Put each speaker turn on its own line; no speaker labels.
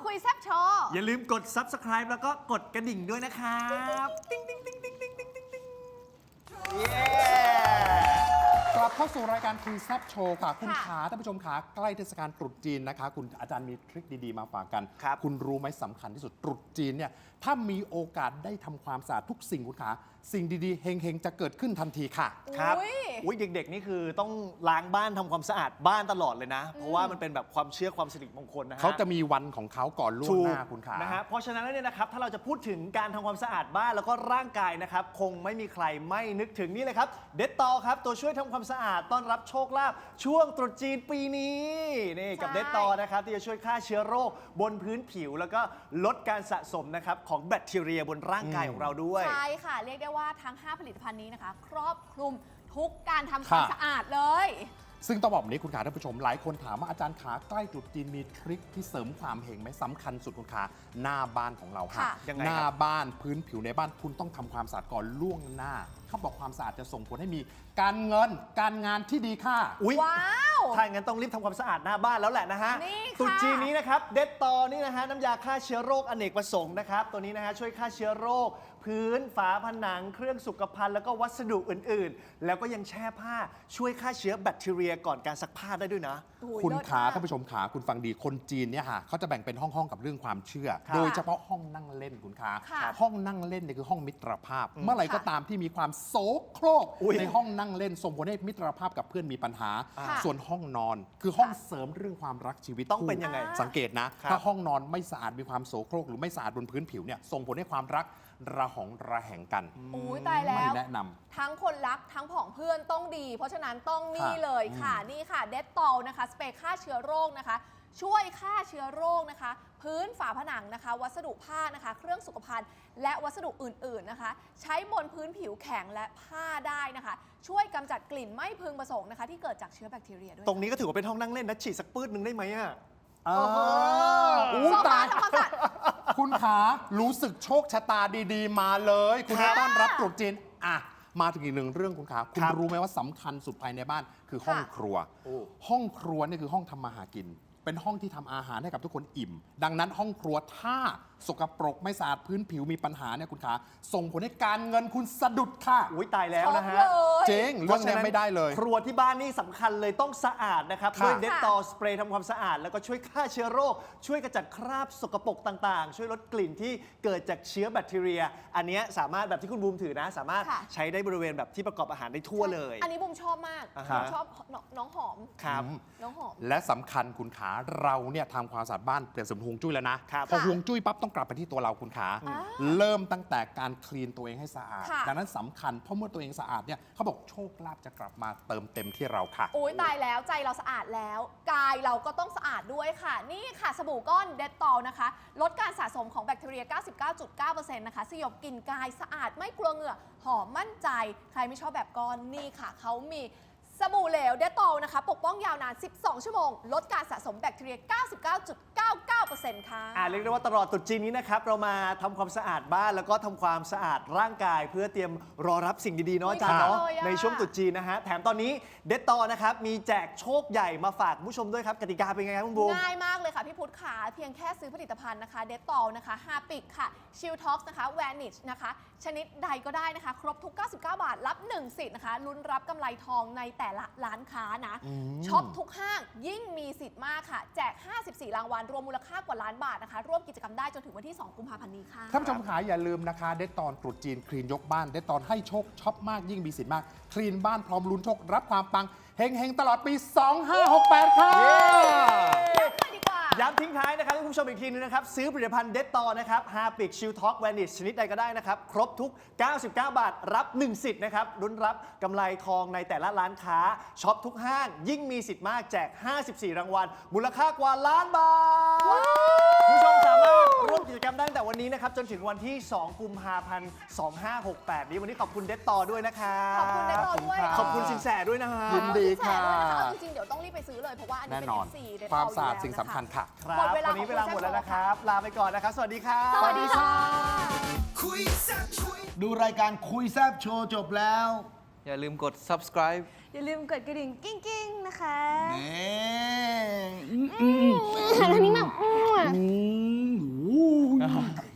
คุยแซ่บโชว์
อย่าลืมกด Subscribe แล้วก็กดกระดิ่งด้วยนะครับติ๊งติ๊งติ๊งติ๊งติ๊งติ๊งติ๊งติ๊ง
กลับเข้าสู่รายการคุยแซ่บโชว์ค่ะคุณขาท่านผู้ชมขาใกล้เทศกาลตรุษจีนนะคะคุณอาจารย์มีทริคดีๆมาฝากกันคุณรู้ไหมสำคัญที่สุดตรุษจีนเนี่ยถ้ามีโอกาสได้ทำความสะอาดทุกสิ่งคุณขาสิ่งดีๆเฮงๆจะเกิดขึ้นทันทีค่ะ
ครับอุ้ยเด็กๆนี่คือต้องล้างบ้านทำความสะอาดบ้านตลอดเลยนะเพราะว่ามันเป็นแบบความเชื่อความสิริมงคลนะฮะ
เขาจะมีวันของเขาก่อนล่วงหน้าคุณขา
นะฮะเพราะฉะนั้นแล้วเนี่ยนะครับถ้าเราจะพูดถึงการทำความสะอาดบ้านแล้วก็ร่างกายนะครับคงไม่มีใครไม่นึกถึงนี่เลยครับเด็ดตอครับตัวช่วยทำความสะอาดต้อนรับโชคลาภช่วงตรุษจีนปีนี้นี่กับเด็ดตอนะครับที่จะช่วยฆ่าเชื้อโรคบนพื้นผิวแล้วก็ลดการสะสมนะครับของแบคทีเรียบนร่างกายของเราด้วย
ใช่ค่ะเรียกได้ว่าทั้ง5ผลิตภัณฑ์นี้นะคะครอบคลุมทุกการทำความสะอาดเลย
ซึ่งต้องบอกแบบนี้คุณขาท่านผู้ชมหลายคนถามว่าอาจารย์ขาใกล้ตรุษจีนมีทริคที่เสริมความเฮงไหมสำคัญสุดคุณขาหน้าบ้านของเราค่ะหน้าบ้านพื้นผิวในบ้านคุณต้องทำความสะอาดก่อนล่วงหน้าเขาบอกความสะอาดจะส่งผลให้มีการเงินการงานที่ดีค่ะ
ว้าว
ถ้าอย่างนั้นต้องรีบทำความสะอาดหน้าบ้านแล้วแหละนะฮะตรุษจีนนี้นะครับเด็ดตอนี่นะฮะน้ำยาฆ่าเชื้อโรคอเนกประสงค์นะครับตัวนี้นะฮะช่วยฆ่าเชื้อโรคพื้นฝาผนังเครื่องสุขภัณฑ์แล้วก็วัสดุอื่นๆแล้วก็ยังแช่ผ้าช่วยฆ่าเชื้อแบคทีเรียก่อนการซักผ้าได้ด้วยนะ
คุณขาท่านผู้ชมขาคุณฟังดีคนจีนเนี่ยค่ะเขาจะแบ่งเป็นห้องๆกับเรื่องความเชื่อโดยเฉพาะห้องนั่งเล่นคุณขาห้องนั่งเล่นเนี่ยคือห้องมิตรภาพเมื่อไหร่ก็ตามที่มีความโสโครกในห้องนั่งเล่นส่งผลให้มิตรภาพกับเพื่อนมีปัญหาส่วนห้องนอนคือห้องเสริมเรื่องความรักชีวิต
ต้องเป็นยังไง
สังเกตนะถ้าห้องนอนไม่สะอาดมีความโสโครกหรือไม่สะอาดบนพื้นผิวเนี่ยส่งผลให้ความรักระหองระแหงกัน
ตายแล้ว
ไม่แนะนำ
ทั้งคนรักทั้งผองเพื่อนต้องดีเพราะฉะนั้นต้องนี่เลยค่ะนี่ค่ะเดตตอลนะคะสเปรย์ฆ่าเชื้อโรคนะคะช่วยฆ่าเชื้อโรคนะคะพื้นฝาผนังนะคะวัสดุผ้านะคะเครื่องสุขภัณฑ์และวัสดุอื่นๆนะคะใช้บนพื้นผิวแข็งและผ้าได้นะคะช่วยกำจัดกลิ่นไม่พึงประสงค์นะคะที่เกิดจากเชื้อแบคทีเรียด้วย
ตรงนี้ก็ถือว่าเป็นห้องนั่งเล่นนะฉีดสักปื้ดนึงได้ไหมอ่ะ
ตายคุณขารู้สึกโชคชะตาดีๆมาเลยคุณต้อนรับตรุษจีนมาถึงอีกหนึ่งเรื่องคุณขาคุณรู้ไหมว่าสำคัญสุดภายในบ้านคือห้องครัวห้องครัวนี่คือห้องทำมาหากินเป็นห้องที่ทำอาหารให้กับทุกคนอิ่มดังนั้นห้องครัวถ้าสกปรกไม่สะอาดพื้นผิวมีปัญหาเนี่ยคุณขาส่งผลให้การเงินคุณสะดุดค่ะ
อุ้ยตายแล้วนะฮะ
เจ๊งเรื่องนี้ไม่ได้เลย
ครัวที่บ้านนี่สำคัญเลยต้องสะอาดนะครับด้วยเด็ดตอสเปรย์ทำความสะอาดแล้วก็ช่วยฆ่าเชื้อโรคช่วยกระจัดคราบสกปรกต่างๆช่วยลดกลิ่นที่เกิดจากเชื้อแบคทีเรียอันนี้สามารถแบบที่คุณบูมถือนะสามารถใช้ได้บริเวณแบบที่ประกอบอาหารได้ทั่วเลย
อันนี้บูมชอบมากชอบน้องหอม
ครับ
น้องหอม
และสำคัญคุณขาเราเนี่ยทำความสะอาดบ้านเปลี่ยนสมฮวงจุ้ยแล้วนะพอฮวงจุ้ยปั๊บต้องกลับไปที่ตัวเราคุณขาเริ่มตั้งแต่การคลีนตัวเองให้สะอาดดังนั้นสำคัญเพราะเมื่อตัวเองสะอาดเนี่ยเขาบอกโชคลาภจะกลับมาเติมเต็มที่เราค่ะ
โอ้ยตายแล้วใจเราสะอาดแล้วกายเราก็ต้องสะอาดด้วยค่ะนี่ค่ะสบู่ก้อนเดตตอลนะคะลดการสะสมของแบคทีเรีย 99.9% นะคะสยบกลิ่นกายสะอาดไม่กลัวเหงื่อหอมมั่นใจใครไม่ชอบแบบก้อนนี่ค่ะเขามีสบู่เหลวเดตตอลนะคะปกป้องยาวนาน12ชั่วโมงลดการสะสมแบคทีเรีย 99.99% ค่ะ
เรียกได้ว่าตลอดตรุษจีนนี้นะครับเรามาทำความสะอาดบ้านแล้วก็ทำความสะอาดร่างกายเพื่อเตรียมรอรับสิ่งดีๆเนาะอาจารย์เนาะในช่วงตรุษจีนนะฮะแถมตอนนี้เดตตอลนะครับมีแจกโชคใหญ่มาฝากผู้ชมด้วยครับกติกาเป็นไงครับคุณบูม
ง่ายมากเลยค่ะพี่พุทธขาเพียงแค่ซื้อผลิตภัณฑ์นะคะเดตตอลนะคะฮาปิกค่ะชิลท็อกซ์นะคะแวนิชนะคะชนิดใดก็ได้นะคะครบทุก99 บาทรับ1สิทธิ์นะคะลุ้นรับกำไรทองในแต่ละร้านค้านะช็อปทุกห้างยิ่งมีสิทธิ์มากค่ะแจก54รางวัลรวมมูลค่ากว่าล้านบาทนะคะร่วมกิจกรรมได้จนถึงวันที่2 กุมภาพันธ์นี้ค่ะ
ท่านผู้ชมขาอย่าลืมนะคะเดตตอนตรุษจีนคลีนยกบ้านเดตตอนให้โชคช็อปมากยิ่งมีสิทธิ์มากคลีนบ้านพร้อมลุ้นโชครับความปังเฮงๆตลอดปี2568ค่ะ
ย้ำทิ้งท้ายนะครับให้คุณผู้ชมอีกทีนึงนะครับซื้อผลิตภัณฑ์เดตตอนะครับฮาปิกชิลท็อกแวนิชชนิดใดก็ได้นะครับครบทุก99 บาทรับ1สิทธิ์นะครับลุ้นรับกำไรทองในแต่ละร้านค้าช็อปทุกห้างยิ่งมีสิทธิ์มากแจก54รางวัลมูลค่ากว่าล้านบาทผู้ชมสามารถร่วมกิจกรรมได้ตั้งแต่วันนี้นะครับจนถึงวันที่2 กุมภาพันธ์2568นี้วันนี้ขอบคุณเดตตอด้วยนะครับ
ขอบคุณเดตตอด้วย
ขอบคุณสินแสด้วยนะฮะ
ยินดีค่ะ
จริงๆเดี๋ยวต้องรีบไปซื้อเลยเพราะว่าอันนี้เป็น FC เดตตอ
ความสะอาดสิ่งสำคัญค่ะ
ครับวันนี้เวลาหมดแล้วนะครับลาไปก่อนนะครับสวัสดีครับ
สวัสดีค่ะ
ดูรายการคุยแซบโชว์จบแล้ว
อย่าลืมกด subscribe
อย่าลืมกดกระดิ่งกิ้งๆนะคะ
นี่
อันนี้แบบ
นะครับ